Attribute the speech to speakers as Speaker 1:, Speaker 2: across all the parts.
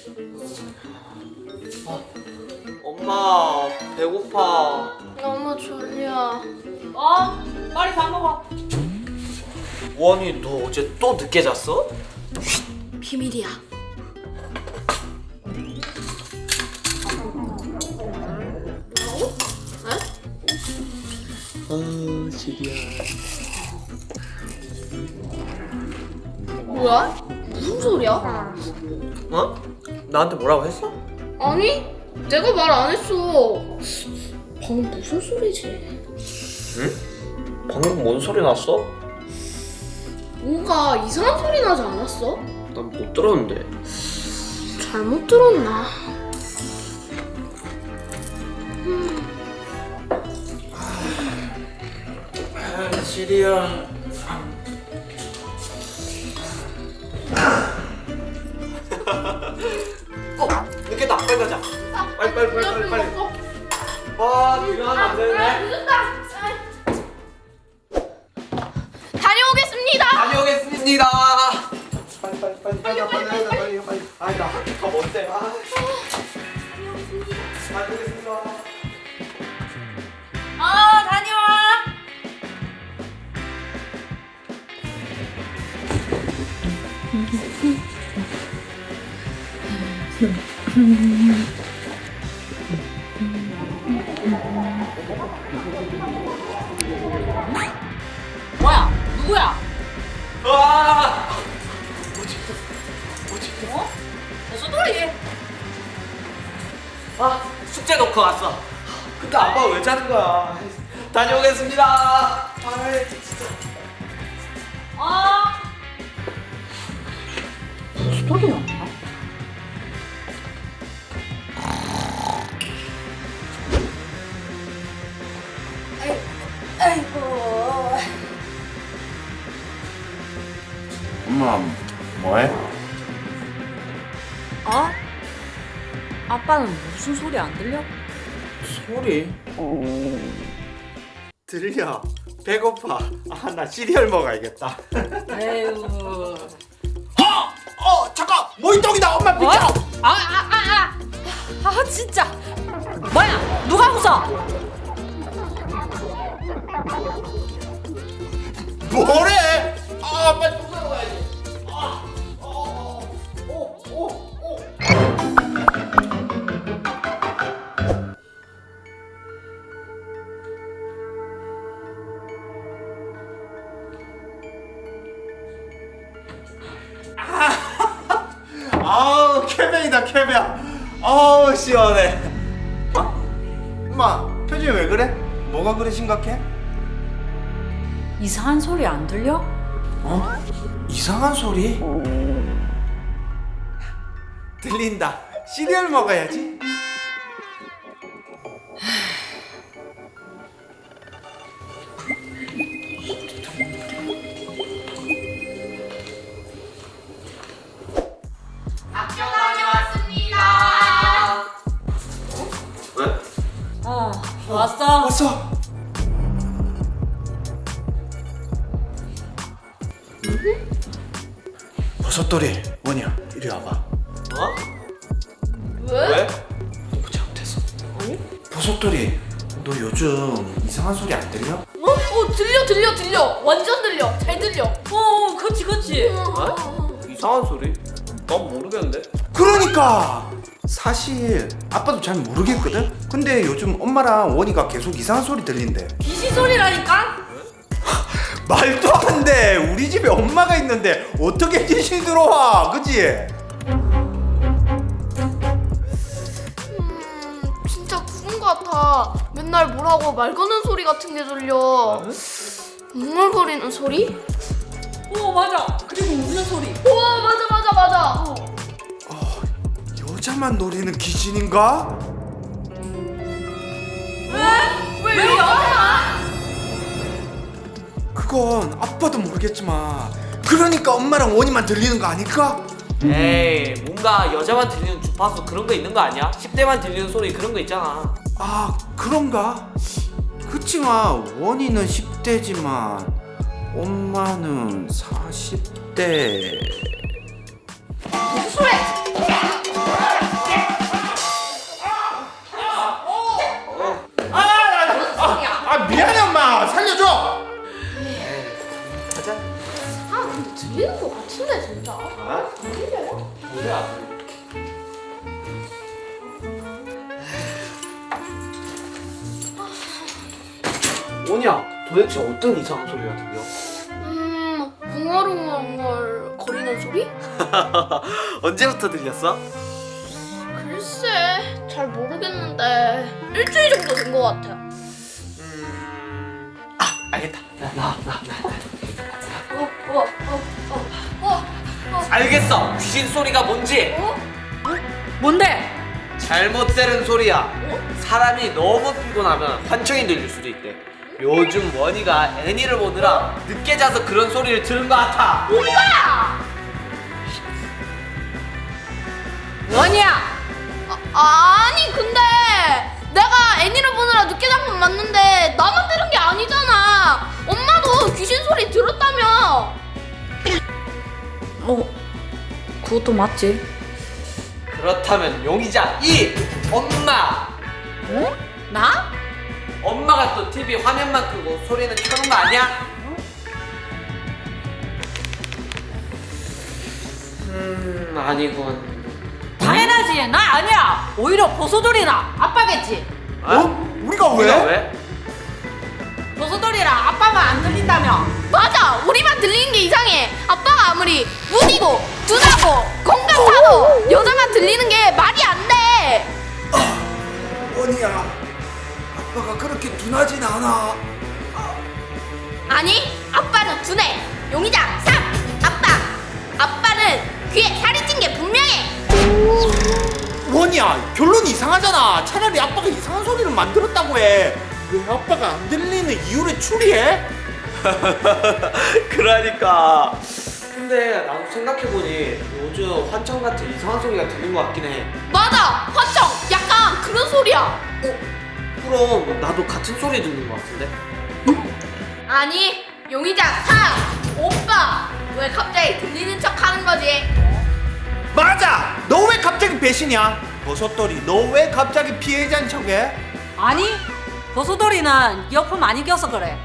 Speaker 1: 엄마 배고파.
Speaker 2: 너무 졸려.
Speaker 3: 빨리 밥 먹어.
Speaker 1: 원이 너 어제 또 늦게 잤어?
Speaker 2: 비밀이야.
Speaker 1: 지리야.
Speaker 2: 뭐야? 무슨 소리야?
Speaker 1: 어? 나한테 뭐라고 했어?
Speaker 2: 아니, 내가 말 안 했어. 방금 무슨 소리지?
Speaker 1: 응? 방금 뭔 소리 났어?
Speaker 2: 뭔가 이상한 소리 나지 않았어?
Speaker 1: 난 못 들었는데.
Speaker 2: 잘못 들었나?
Speaker 1: 지리야. 늦겠다. 빨리 가자. 빨리. 와, 지금 안 되네.
Speaker 2: 늦었다. 다녀오겠습니다.
Speaker 1: 다녀오겠습니다. 빨리 가자. 빨리. 아니 나 학교가 뭔데? 다녀오겠습니다.
Speaker 3: 다녀와. 뭐야? 누구야?
Speaker 1: 와!
Speaker 3: 버섯돌이.
Speaker 1: 숙제 놓고 왔어. 근데 아빠 왜 자는 거야? 다녀오겠습니다. 아이 진짜.
Speaker 3: 버섯돌이야.
Speaker 4: 엄마 뭐해?
Speaker 3: 아빠는 무슨 소리 안 들려?
Speaker 1: 소리? 들려. 배고파. 나 시리얼 먹어야겠다.
Speaker 3: 에휴.
Speaker 1: 잠깐. 모이떡이다. 엄마 비켜.
Speaker 3: 진짜. 뭐야? 누가 웃어?
Speaker 1: 뭐래? 빨리 똥 싸러 가야지. 아우 캐벤이다 캐벤. 아우 시원해. 엄마 표정이 왜 그래? 뭐가 그래 심각해?
Speaker 3: 이상한 소리 안 들려?
Speaker 1: 이상한 소리? 들린다. 시리얼 먹어야지.
Speaker 2: 학교 다녀왔습니다.
Speaker 1: 왜?
Speaker 3: 왔어.
Speaker 1: 왔어. 버섯돌이 원이야 이리 와봐. 어? 왜? 너무 잘못했어. 아니? 버섯돌이 너 요즘 이상한 소리 안 들려?
Speaker 2: 들려. 완전 들려. 잘 들려.
Speaker 3: 그치.
Speaker 1: 이상한 소리? 난 모르겠는데. 그러니까 사실 아빠도 잘 모르겠거든. 근데 요즘 엄마랑 원이가 계속 이상한 소리 들린대.
Speaker 3: 귀신 소리라니까?
Speaker 1: 말도 안 돼. 우리 집에 엄마가 있는데 어떻게 귀신이 들어와? 그치?
Speaker 2: 진짜 그런 거 같아. 맨날 뭐라고 말 거는 소리 같은 게 들려. 웅얼거리는 소리?
Speaker 3: 맞아. 그리고 우는 소리.
Speaker 2: 우와, 맞아.
Speaker 1: 여자만 노리는 귀신인가?
Speaker 2: 왜 여자야?
Speaker 1: 그건 아빠도 모르겠지만 그러니까 엄마랑 원이만 들리는 거 아닐까? 에이 뭔가 여자만 들리는 주파수 그런 거 있는 거 아니야? 10대만 들리는 소리 그런 거 있잖아. 아 그런가? 그치만 원이는 10대지만 엄마는 40대.
Speaker 2: 무슨 소리?
Speaker 1: 뭐야? 원이야, 도대체 어떤 이상한 소리가 들려?
Speaker 2: 웅얼웅얼 거리는 소리?
Speaker 1: 언제부터 들렸어?
Speaker 2: 글쎄, 잘 모르겠는데 일주일 정도 된 것 같아.
Speaker 1: 알겠다. 나.
Speaker 2: 어,
Speaker 1: 알겠어. 귀신 소리가 뭔지.
Speaker 3: 뭔데?
Speaker 1: 잘못 들은 소리야. 사람이 너무 피곤하면 환청이 들릴 수도 있대. 요즘 원이가 애니를 보느라 늦게 자서 그런 소리를 들은 것 같아.
Speaker 2: 오빠!
Speaker 3: 원이야.
Speaker 2: 아니 근데 내가 애니를 보느라 늦게 잔 건 맞는데 나만 들은 게 아니잖아. 엄마도 귀신 소리 들었다며.
Speaker 3: 그것도 맞지.
Speaker 1: 그렇다면 용의자 2 엄마.
Speaker 3: 나?
Speaker 1: 엄마가 또 TV 화면만 끄고 소리는 켜놓은 거 아니야? 아니군.
Speaker 3: 당연하지. 나 아니야. 오히려 보소돌이나 아빠겠지.
Speaker 1: 우리가 왜?
Speaker 3: 보소돌이랑 아빠만 안 들린다며.
Speaker 2: 맞아, 우리만 들리는 게 이상해. 아빠가 아무리 무디고 두다고 공감하고 여자만 들리는 게 말이 안 돼.
Speaker 5: 원이야, 아빠가 그렇게 둔하진 않아.
Speaker 2: 아니, 아빠는 두네. 용의자 3 아빠는 귀에 살이 찐 게 분명해.
Speaker 5: 원이야, 결론이 이상하잖아. 차라리 아빠가 이상한 소리를 만들었다고 해. 왜 아빠가 안 들리는 이유를 추리해?
Speaker 1: 그러니까. 근데 나도 생각해보니 요즘 환청 같은 이상한 소리가 들린 것 같긴 해.
Speaker 2: 맞아, 화청 약간 그런 소리야.
Speaker 1: 그럼 나도 같은 소리 듣는 것 같은데?
Speaker 2: 아니, 용의자 3 오빠 왜 갑자기 들리는 척 하는 거지?
Speaker 5: 맞아! 너 왜 갑자기 배신이야? 버섯돌이, 너 왜 갑자기 피해자인 척해?
Speaker 3: 아니, 보소돌이는 이어폰 많이 껴서 그래.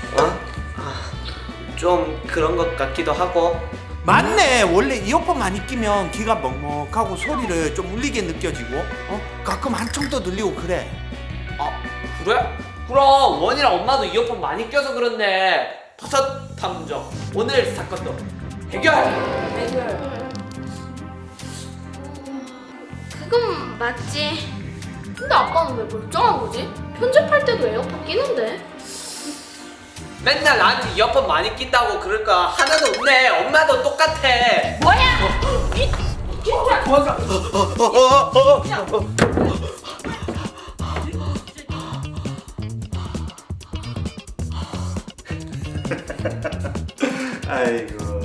Speaker 1: 좀 그런 것 같기도 하고.
Speaker 5: 맞네. 원래 이어폰 많이 끼면 귀가 먹먹하고 소리를 좀 울리게 느껴지고 가끔 한청도 들리고 그래.
Speaker 1: 그래? 그럼 원이랑 엄마도 이어폰 많이 껴서 그런데 버섯 탐정 오늘 사건도 해결!
Speaker 2: 그건 맞지. 근데 아빠는 왜 멀쩡한 거지? 편집할 때도 에어팟 끼는데.
Speaker 1: 맨날 나한테 이어폰 많이 낀다고 그럴까 하나도 없네. 엄마도 똑같아.
Speaker 2: 뭐야?
Speaker 1: 도망가.
Speaker 5: 아이고.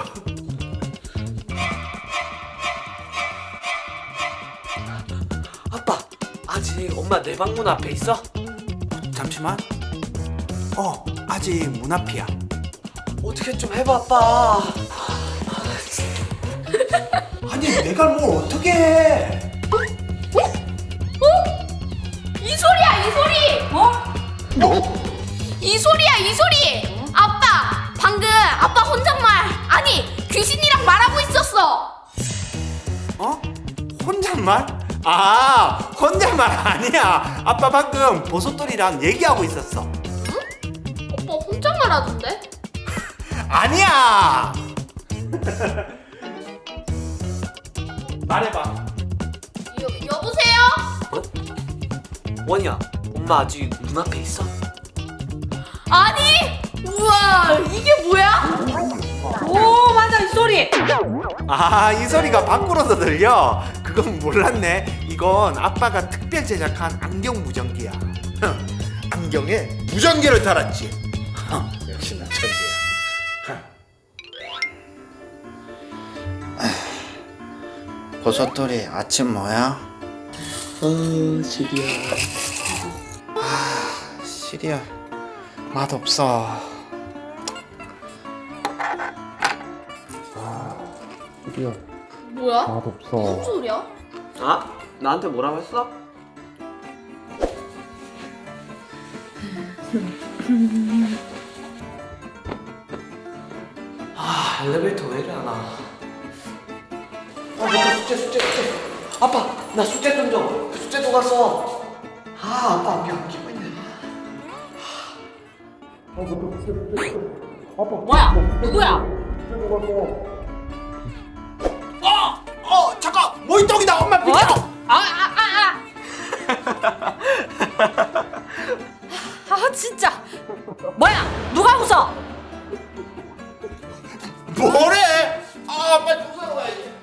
Speaker 1: 아빠, 아직 엄마 내 방문 앞에 있어?
Speaker 5: 잠시만. 아직 문 앞이야.
Speaker 1: 어떻게 좀 해봐, 아빠.
Speaker 5: 아니, 내가 뭘 어떻게 해?
Speaker 2: 이 소리야, 이 소리. 이 소리야, 이 소리. 아빠, 방금 아빠 혼잣말 아니 귀신이랑 말하고 있었어.
Speaker 5: 혼잣말? 혼잣말 아니야. 아빠 방금 버섯돌이랑 얘기하고 있었어.
Speaker 2: 오빠 혼잣말 하던데?
Speaker 5: 아니야. 말해봐.
Speaker 2: 여보세요?
Speaker 1: 원이야, 엄마 아직 문 앞에 있어?
Speaker 2: 아니, 우와, 이게 뭐야?
Speaker 3: 오, 맞아, 이 소리.
Speaker 5: 이 소리가 밖으로서 들려. 그건 몰랐네. 이건 아빠가 특별 제작한 안경 무전기야. 안경에 무전기를 달았지. 역시 나 천재야.
Speaker 6: 버섯돌이 아침 뭐야?
Speaker 1: 시리야.
Speaker 6: 시리얼 맛없어.
Speaker 2: 뭐야?
Speaker 6: 맛없어.
Speaker 2: 무슨 소리야?
Speaker 1: 나한테 뭐라고 했어? 엘리베이터 왜 이래 하나? 맞다, 숙제. 아빠, 나 숙제 좀 줘. 숙제 도 갔어. 아, 아빠 안경 끼고 있네.
Speaker 3: 뭐야? 누구야?
Speaker 5: 잠깐 모이떡이다. 엄마 비켜.
Speaker 3: 아 진짜. 뭐야? 누가 웃어?
Speaker 5: 뭐래? 아 빨리 부사로 가야지.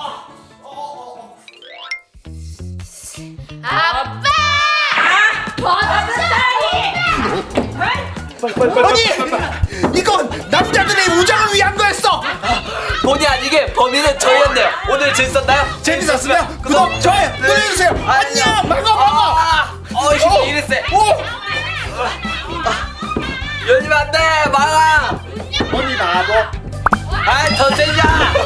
Speaker 2: 아빠! 버섯돌이!
Speaker 5: 아니 이건 남자들의 우정을 위한 거였어.
Speaker 1: 본의 아니게 범인은 저희였네요. 오늘 재밌었나요?
Speaker 5: 재밌었으면 구독 좋아요 눌러주세요. 안녕. 먹어.
Speaker 1: 힘이 이랬어. 열리면 안 돼, 막아.
Speaker 5: 언니 나도.
Speaker 1: 아이, 더 세자.